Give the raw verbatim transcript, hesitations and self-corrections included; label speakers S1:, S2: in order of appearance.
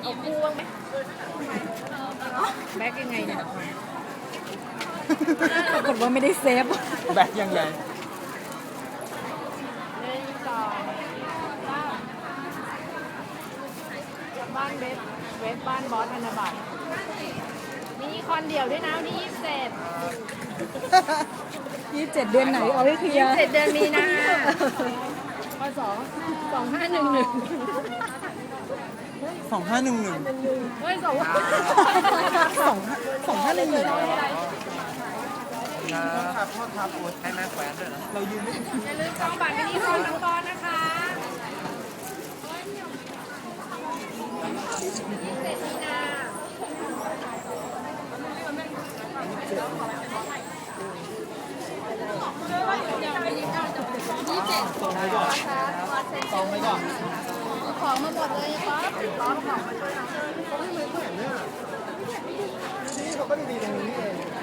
S1: เอาคู่บ้างไหมแบ็กยังไงเนี่ยปรากฏว่าไม่ได้เซฟ
S2: แบ็คยังไง
S1: หนึ่งสองสามบ้านเว็บเว็บบ้านบอสธนบัตรมีคอนเดี่ยวด้วยนะวันที่ยี่สิบเจ็ด
S3: ยี่สิบเจ็ดเดือนไหนเอาให้เคลียร์
S1: เจ็ดเดือนมีนาพศสองห้าหนึ่งหนึ่ง
S2: สองห้าหนึ่งหนึ่ง
S1: เฮ้ยสอง
S3: สองสองห้าหนึ่งหนึ่ง
S2: ครับพ่อครับโอ้ใช้แม่แขวนด้วยนะเรายืนไม่ถึง
S1: อย่าลืมจองบัตรมินิคอนน้องบอลนะคะยี่สิบเจ็ดมีนายี่สิบเจ็ด
S2: ตรงไปก่อนตรงไปก่อน
S1: ของมาหมดเลยป๊อปร้องของมาช่วยเรา
S2: นี่เขาก็ดีๆตรงนี้เอง